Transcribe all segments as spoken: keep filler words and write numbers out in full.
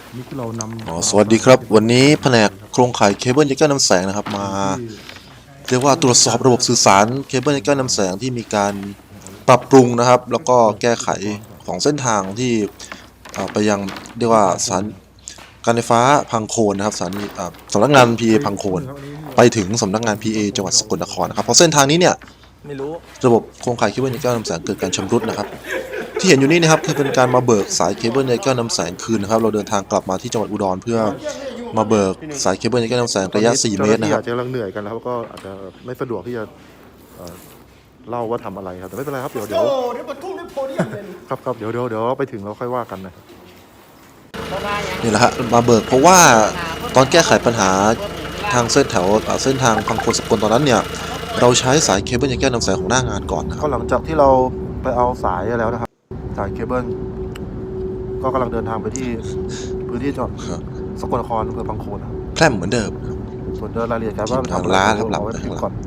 นี่คือเรานำอ๋อสวัสดีครับวันนี้แผนกโครงข่ายเคเบิลยักษ์น้ำแสงนะครับมาเรียกว่าตรวจสอบระบบสื่อสารเคเบิลยักษ์น้ำแสงที่มีการปรับปรุงนะครับแล้วก็แก้ไขของเส้นทางที่ไปยังเรียกว่าสถานการไฟฟ้าพังโคนนะครับสถานีสำนักงาน พี เอ พังโคนไปถึงสำนักงาน พี เอ จังหวัดสกลนครนะครับเพราะเส้นทางนี้เนี่ยไม่รู้ระบบโครงข่ายเคเบิลยักษ์น้ำแสงเกิดการชำรุดนะครับที่เห็นอยู่นี่นะครับคือเป็นการมาเบิกสายเคเบิลยักษ์น้ำแสงคืนนะครับเราเดินทางกลับมาที่จังหวัดอุดรเพื่อมาเบิกสายเคเบิลยักษ์น้ำแสงระยะสี่เมตรนะครับอาจจะกำลังเหนื่อยกันแล้วก็อาจจะไม่สะดวกที่จะเล่าว่าทำอะไรครับแต่ไม่เป็นไรครับเดี๋ยวเดี๋ยวเดี๋ยวบรรทุกในโพเดียมเลยครับครับเดี๋ยวเดี๋ยวเดี๋ยวไปถึงเราค่อยว่ากันนะครับนี่แหละฮะมาเบิกเพราะว่าตอนแก้ไขปัญหาทางเส้นแถวเส้นทางพังโคนสกลตอนนั้นเนี่ยเราใช้สายเคเบิลยักษ์น้ำแสงของหน้างานก่อนนะก็หลังจากที่เราไปเอาสายแล้วนะครับสายเคเบิลก็กำลังเดินทางไปที่พื้นที่จังหวัดสกลนครอำเภอพังโคนแพร่มเหมือนเดิมส่วนเดินรายละเอียดการว่าทางร้านครับหลับก่อน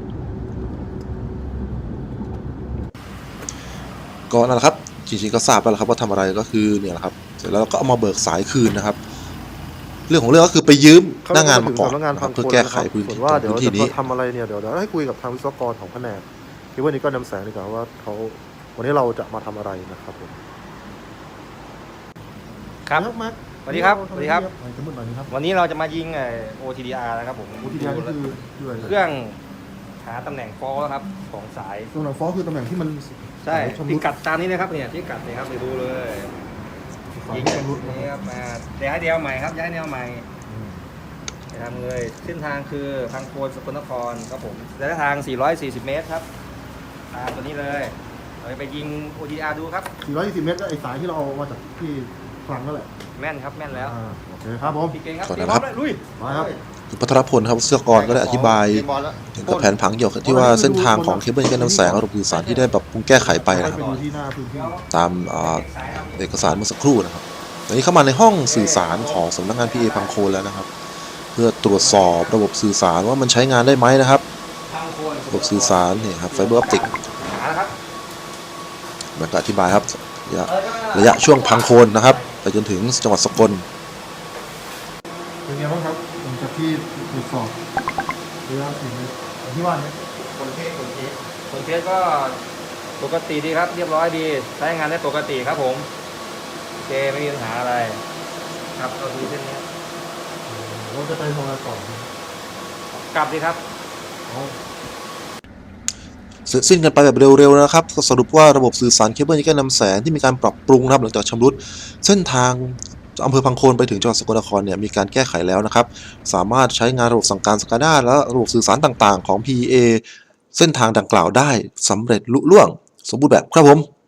ก็นั่นแหละครับจริงๆก็ทราบแล้วครับว่าทำอะไรก็คือเนี่ยแหละครับเสร็จแล้วก็เอามาเบิกสายคืนนะครับเรื่องของเรื่องก็คือไปยืมหน้างานมาก่อนเพื่อแก้ไขพื้นที่ว่าเดี๋ยวจะนี้ทำอะไรเนี่ยเดี๋ยวเราให้คุยกับทางวิศวกรของแผนกคิดว่านี้ก็นำแสงดีกว่าว่าเขาวันนี้เราจะมาทำอะไรนะครับผมครับสวัสดีครับสวัสดีครับ วันนี้เราจะมายิงไอ โอ ที ดี อาร์ นะครับผมโอ ที ดี อาร์ นี่คือเครื่องหาตำแหน่งฟอลครับของสายตำแหน่งฟอลคือตำแหน่งที่มันใช่พิกัดตามนี้นะครับเนี่ยพิกัดนี่ครับไปดูเลยยิงแบบนี้ครับมาย้ายแนวใหม่ครับย้ายแนวใหม่ไปทำเลยเส้นทางคือพังโคนสกลนครครับผมระยะทางสี่ร้อยสี่สิบเมตรครับตามตัวนี้เลยเราไปยิง โอ ที ดี อาร์ ดูครับสี่ร้อยยี่สิบเมตรก็ไอสายที่เราเอามาจากที่คลังนั่นแหละแม่นครับแม่นแล้วโอเคครับผมพี่เก่งครับก่อนนะครับลุยมาครับพัทรพลครับวิศวกรก็ได้อธิบายถึงกับแผนผังเกี่ยวกับที่ว่าเส้นทางของเคเบิลยักษ์น้ำแสงระบบสื่อสารที่ได้ปรับปรุงแก้ไขไปนะครับตามเอกสารเมื่อสักครู่นะครับตอนนี้เข้ามาในห้องสื่อสารของสำนักงาน พี เอ พังโคนแล้วนะครับเพื่อตรวจสอบระบบสื่อสารว่ามันใช้งานได้ไหมนะครับระบบสื่อสารเนี่ยครับไฟเบอร์ออปติกมันก็อธิบายครับระยะระยะช่วงพังโคนนะครับไปจนถึงจังหวัดสกลเป็นไงบ้างครับหลังจากที่ตรวจสอบระยะสี่เมตรที่ว่านี้คนเทสคนเทสคนเทสก็ปกติดีครับเรียบร้อยดีใช้งานได้ปกติครับผมโอเคไม่มีปัญหาอะไรครับก็คือเส้นนี้เราจะไปทำอะไรต่อกลับดีครับเสร็จสิ้นกันไปแบบเร็วๆนะครับก็สรุปว่าระบบสื่อสารเคเบิลยักษ์น้ำแสงที่มีการปรับปรุงนะครับหลังจากชำรุดเส้นทางอำเภอพังโคนไปถึงจังหวัดสกลนครเนี่ยมีการแก้ไขแล้วนะครับสามารถใช้งานระบบสั่งการสกาด้าและระบบสื่อสารต่างๆของ พี เอ เส้นทางดังกล่าวได้สำเร็จลุล่วงสมบูรณ์แบบครับผม